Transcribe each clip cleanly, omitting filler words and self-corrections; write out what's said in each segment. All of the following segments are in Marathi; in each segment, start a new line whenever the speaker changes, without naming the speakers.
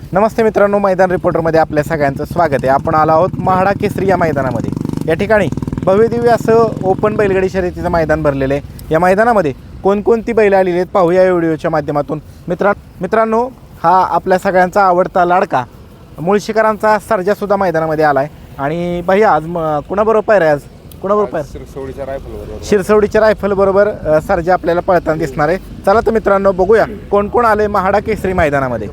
नमस्ते मित्रांनो, मैदान रिपोर्टरमध्ये आपल्या सगळ्यांचं स्वागत आहे. आपण आलो आहोत महाडा केसरी या मैदानामध्ये. या ठिकाणी भव्यदिव्य असं ओपन बैलगाडी शर्यतीचं मैदान भरलेलं आहे. या मैदानामध्ये कोणकोणती बैल आलेली आहेत पाहूया या व्हिडिओच्या माध्यमातून. मित्रांनो, हा आपल्या सगळ्यांचा आवडता लाडका मुळशीकरांचा सर्जासुद्धा मैदानामध्ये आला आहे. आणि भैया आज कुणाबरोबर पायरा आहे? आज कुणाबरोबर पायरा? शिरसवडीच्या रायफल बरोबर सर्जा आपल्याला पळताना दिसणार आहे. चला तर मित्रांनो, बघूया कोण कोण आले महाडा केसरी मैदानामध्ये.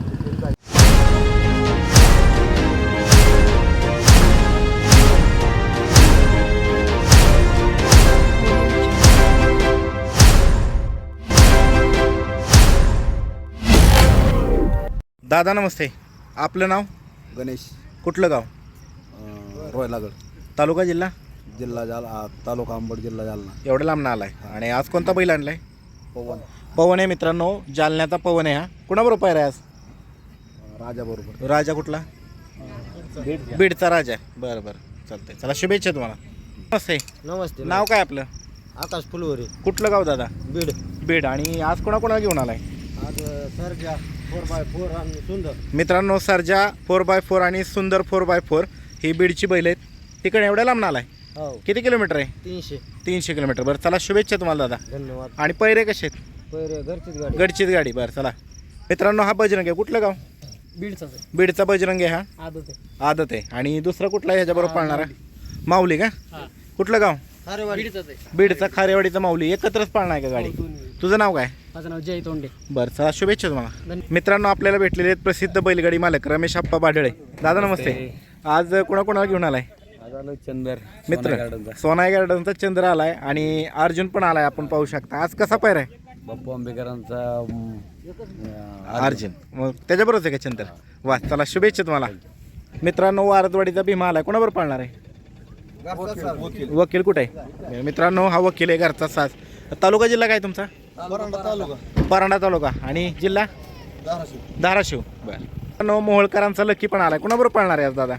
दादा नमस्ते, आपलं नाव?
गणेश.
कुठलं गाव?
रोयलागड.
तालुका जिल्हा?
जिल्हा जालना. तालुका अंबड, जिल्हा जालना.
एवढं लांब आलाय. आणि आज कोणता बैल आणलाय?
पवन
आहे मित्रांनो, जालन्याचा पवन आहे. हा कुणाबरोबर पायरा आहे आज?
राजा बरोबर.
राजा कुठला? बीडचा राजा. बरं बरं, चालतंय. चला, शुभेच्छा तुम्हाला. नमस्ते.
नमस्ते.
नाव काय आपलं?
आकाश फुलवरे.
कुठलं गाव दादा?
बीड.
बीड. आणि आज कोणाकोणाला घेऊन आलाय?
आज सर्जा 4x4 आणि सुंदर.
मित्रांनो, सर्जा 4x4 आणि सुंदर 4x4 ही बीडची बैल आहेत. तिकडे एवढ्या लांब आलाय?
हो.
किती किलोमीटर आहे?
300
किलोमीटर. बरं, चला, शुभेच्छा तुम्हाला दादा.
धन्यवाद.
आणि पैरे कसे आहेत?
पैरे घरचीच गाडी.
गडचीच गाडी. बरं, चला मित्रांनो, हा बजरंग आहे. कुठलं गाव?
बीडचाच आहे.
बीडचा बजरंग आहे. हा
आदत आहे.
आदत आहे. आणि दुसरा कुठला आहे ह्याच्याबरोबर पाळणारा? माऊली का? कुठलं गाव?
बीडचाच आहे.
बीडचा खारेवाडीचा माऊली. एकत्रच पाळणार आहे का गाडी? तुझं नाव काय?
माझं नाव जय तोंडे.
बरं, चला, शुभेच्छा तुम्हाला. मित्रांनो, आपल्याला भेटलेले आहेत प्रसिद्ध बैलगाडी मालक रमेश आप्पा बाढळे. दादा नमस्ते. आज कोणाकोणाला घेऊन आलाय?
चंदर
मित्र सोनाई गार्डनचा चंद्र आलाय आणि अर्जुन पण आलाय. आपण पाहू शकता. आज कसा पैर आहे?
बाप्पू आंबेकरांचा
अर्जुन. मग त्याच्याबरोबरच आहे का चंद्र? वा, चला, शुभेच्छा तुम्हाला. मित्रांनो, वारदवाडीचा भीमा आलाय. कोणाबरोबर पाळणार आहे? वकील कुठे आहे? मित्रांनो, हा वकील आहे, घरचा साज. तालुका जिल्हा काय तुमचा? परांडा तालुका. आणि जिल्हा धाराशिव. बरं. मोहोळकरांचा लकी पण आलाय. कोणाबरोबर पाळणार आहे आज दादा?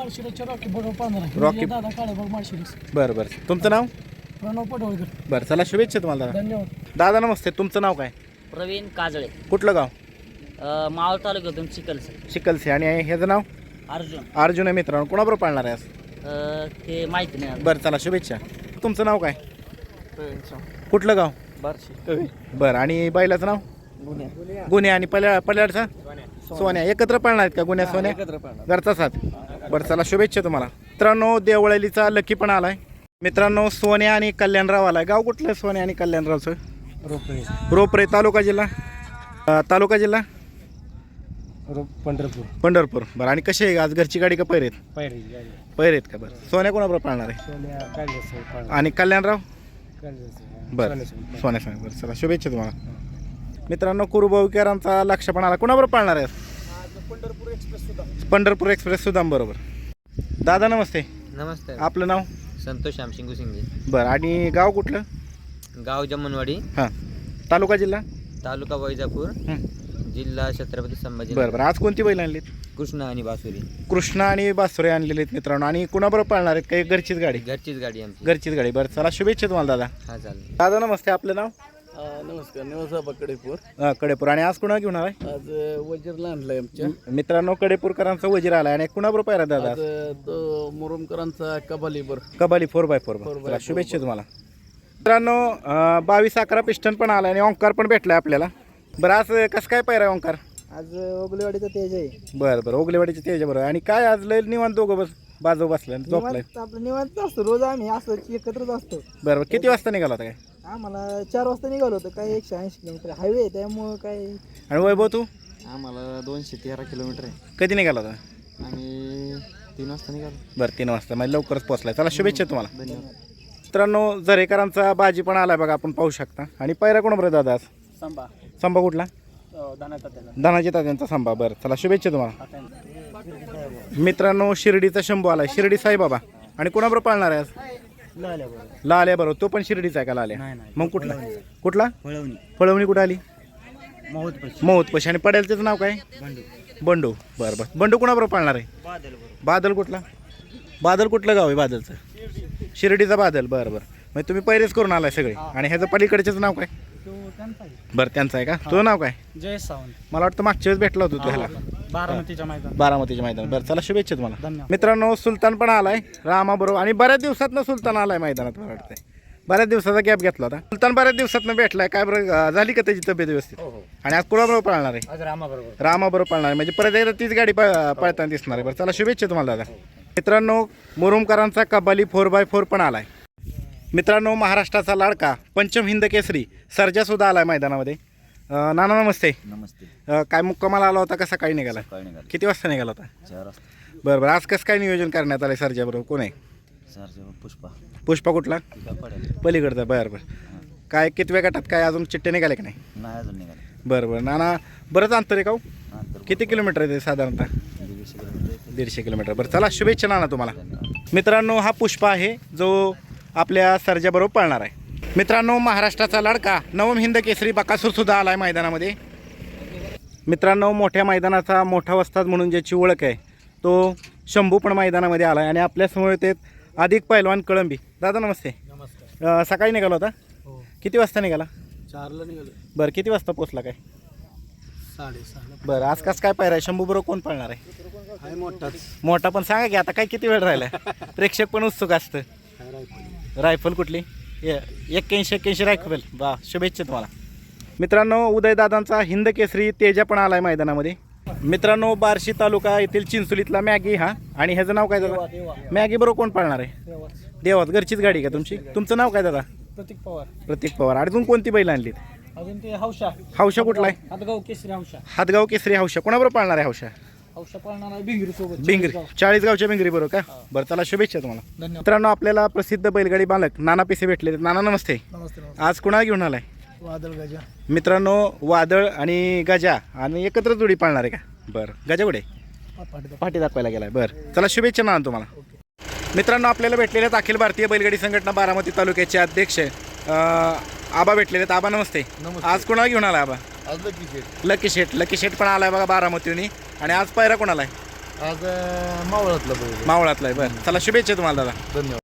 रॉकी. बरं बरं. तुमचं नाव? बरं, चला, शुभेच्छा तुम्हाला दादा.
धन्यवाद.
दादा नमस्ते, तुमचं नाव काय?
प्रवीण काजळे.
कुठलं गाव?
मावळ तालुक्यातून
चिखलसे. आणि ह्याचं नाव? अर्जुन आहे. मित्रांनो, कोणाबरोबर पाळणार आहे आज?
ते माहिती नाही.
बरं, चला, शुभेच्छा. तुमचं नाव काय? कुठलं गाव? बरं. आणि बैलाचं नाव? गुन्हे. आणि पल्याडचा? सोन्या. एकत्र पाळणार आहेत का गुन्ह्या सोन्या? घरचा साथ. बरं, चला, शुभेच्छा तुम्हाला. मित्रांनो, देवळालीचा लकी पण आलाय. मित्रांनो, सोन्या आणि कल्याणराव आलाय. गाव कुठलं सोन्या आणि कल्याणरावचं? रोपरे. तालुका जिल्हा? पंढरपूर. बरं. आणि कशी आहे आज? घरची गाडी का पैरेत? पैरेत का? बरं. सोन्या कोणाबरोबर पाळणार आहे? आणि कल्याणराव? बरं, सोन्या. बरं, चला, शुभेच्छा तुम्हाला. मित्रांनो, कुरुभाऊकरांचा लक्ष पण आला. कोणाबरोबर पाळणार आहे? पंढरपूर एक्सप्रेस सुद्धा बरोबर. दादा नमस्ते.
नमस्ते.
आपलं नाव?
संतोष श्यामसिंग सिंगे.
बरं. आणि गाव कुठलं?
गाव जमनवाडी.
हां. तालुका जिल्हा?
तालुका वैजापूर. जिल्हा छत्रपती संभाजी.
बरं. आज कोणती बैल आणलीत?
कृष्णा आणि बासुरी.
कृष्णा आणि बासुरे आणलेले आहेत मित्रांनो. आणि कुणाबरोबर पाळणार आहेत? काही घरचीच गाडी?
घरचीच गाडी आमची.
घरचीच गाडी. बरं, चला, शुभेच्छा तुम्हाला दादा.
हा, चालेल.
दादा नमस्ते. आपलं नाव?
नमस्कार. निवासाबा कडेपूर.
कडेपूर. आणि आज कुणा घेऊन आलाय?
आज वजीरला आणलाय आमच्या.
मित्रांनो, कडेपूरकरांचा वजीर आलाय. आणि कुणाबरोबर पायरा दादा?
तो मुरुमकरांचा कबालीबर.
कबाली 4x4. चला, शुभेच्छा तुम्हाला. मित्रांनो, 22 11 पिस्टन पण आलाय आणि ओंकार पण भेटलाय आपल्याला. बरं, आज कसं काय पायरा ओंकार?
आज ओगलेवाडीचा तेज आहे.
बरं. ओगलेवाडीच्या त्याच्याबरोबर. आणि काय आज लय निवांत दोघं बाजू बसल्या झोपलाय?
आपलं निवांत असतो रोज. आम्ही असं एकत्रच असतो.
बरं. किती वाजता निघाला होता काय?
आम्हाला 4 वाजता निघालो होतं. काय 180 किलोमीटर हायवे आहे त्यामुळं काय.
आणि वैभव तू?
आम्हाला 213 किलोमीटर आहे.
कधी निघाला होता?
आम्ही 3 वाजता निघालो.
बरं, 3 वाजता. म्हणजे लवकरच पोहोचलाय. चला, शुभेच्छा तुम्हाला.
धन्यवाद.
मित्रांनो, झरेकरांचा बाजी पण आलाय बघा, आपण पाहू शकता. आणि पायरा कोणाबरोबर दादा आज? संभा कुठला? धनाजी तात्यांचा संभा. बरं, चला, शुभेच्छा तुम्हाला. मित्रांनो, शिर्डीचा शंभू आलाय. शिर्डी साईबाबा. आणि कोणाबरोबर पाळणार आहे आज? लाल्या बरोबर. तो पण शिर्डीचा आहे का लाल्या? मग कुठला? फळवणी. कुठं आली? मौतपशी. आणि पडेलचं नाव काय? बंडू. बरं. बंडू कोणाबरोबर पाळणार आहे? बादल कुठला? कुठलं गाव आहे बादलचं? शिर्डीचा बादल. बरं. म्हणजे तुम्ही पैरेच करून आलाय सगळे. आणि ह्याचं पलीकडचेच नाव काय? बरं, त्यांचं आहे का? तुझं नाव काय?
जय सावंत.
मला वाटतं मागच्या वेळेस भेटला होता तू ह्याला.
बारामतीच्या मैदान.
बारामतीच्या मैदानात. बरं चला शुभेच्छा तुम्हाला.
धन्यवाद.
मित्रांनो सुलतान पण आलाय रामाबरोबर आणि बऱ्याच दिवसातनं सुलतान आलाय मैदानात. मला वाटतंय बऱ्याच दिवसाचा गॅप घेतला होता. सुलतान बऱ्याच दिवसातनं भेटलाय. काय बरं झाली का त्याची तब्येत व्यवस्थित? आणि आज कोणाबरोबर पळणार आहे?
आज रामाबरोबर.
रामाबरोबर पळणार आहे म्हणजे परत एकदा तीच गाडी पळताना दिसणार आहे. बरं चला शुभेच्छा तुम्हाला दादा. मित्रांनो मुरुमकरांचा कबाली 4x4 पण आलाय. मित्रांनो महाराष्ट्राचा लाडका पंचम हिंद केसरी सर्जा सुद्धा आलाय मैदानामध्ये. नाना नमस्ते.
नमस्ते.
काय मुक्कामाला आला होता का सकाळी निघाला?
काय निघाले?
किती वाजता निघाला होता?
4 वाजता.
बरं बरं आज कसं काय नियोजन करण्यात आलं सर्जा बरोबर? कोण आहे?
पुष्पा.
पुष्पा कुठला?
पडेल.
पलीकडचा. बरं बरं काय कितव्या गटात काय अजून चिट्टे निघाले का नाही?
नाही अजून निघाले.
बरं बरं नाना बरंच अंतर आहे का हो?
नंतर
किती किलोमीटर आहे ते साधारणतः? 150 किलोमीटर. बरं चला शुभेच्छा नाना तुम्हाला. मित्रांनो हा पुष्पा आहे जो आपल्या सर्जाबरोबर पळणार आहे. मित्रांनो महाराष्ट्राचा लाडका नवम हिंद केसरी बकासूर सुद्धा आला आहे मैदानामध्ये. मित्रांनो मोठ्या मैदानाचा मोठा वस्ताद म्हणून ज्याची ओळख आहे तो शंभू पण मैदानामध्ये आला आहे आणि आपल्यासमोर ते अधिक पैलवान कळंबी. दादा नमस्ते.
नमस्कार.
सकाळी निघाला होता?
हो.
किती वाजता निघाला?
4ला निघालो.
बरं किती वाजता पोचला काय?
6:30.
बरं आज कसं काय पाहिजे? शंभू बरोबर कोण पळणार आहे?
आहे मोठाच.
मोठा पण सांगा की आता काय किती वेळ राहिला? प्रेक्षक पण उत्सुक असतं. रायफल कुठली? 81 रायफल. वा शुभेच्छा तुम्हाला. मित्रांनो उदयदादांचा हिंद केसरी तेजा पण आलाय मैदानामध्ये. मित्रांनो बार्शी तालुका येथील चिंचोलीतला मॅगी हा आणि ह्याचं नाव काय दादा? मॅगी बरोबर कोण पाळणार आहे? देवात. घरचीच गाडी का तुमची? तुमचं नाव काय दादा?
प्रतीक पवार.
प्रतीक पवार. अजून कोणती बैल आणलीत?
अजून ते हौशा.
हौशा कुठला आहे?
हातगाव केसरी हौशा.
हातगाव केसरी हौशा. कोणाबरोबर पाळणार आहे हौशा?
हौशा पळणार आहे भिंगरी सोबत.
बिंगरी 40 गावच्या बिंगरी बरोबर का? बरं चला शुभेच्छा तुम्हाला.
धन्यवाद.
मित्रांनो आपल्याला प्रसिद्ध बैलगाडी बालक नाना पिसे भेटले. नाना नमस्ते.
नमस्ते.
आज कुणाला घेऊन आलाय?
वादळ गजा.
मित्रांनो वादळ आणि गजा आणि एकत्र जोडी पाळणार आहे का? बरं गजा कुठे? पाठी दाखवायला गेलाय. बरं चला शुभेच्छा नाना तुम्हाला. मित्रांनो आपल्याला भेटलेले आहेत अखिल भारतीय बैलगाडी संघटना बारामती तालुक्याचे अध्यक्ष आबा भेटलेले आहेत. आबा नमस्ते. आज कुणाला घेऊन आला आबा?
आज
लकी शेठ. लकी शेठ पण आलाय बघा बारामतीहून. आणि आज पायरा कोणाला आहे?
आज मावळातला.
मावळातला आहे. बरं चला शुभेच्छा तुम्हाला दादा.
धन्यवाद.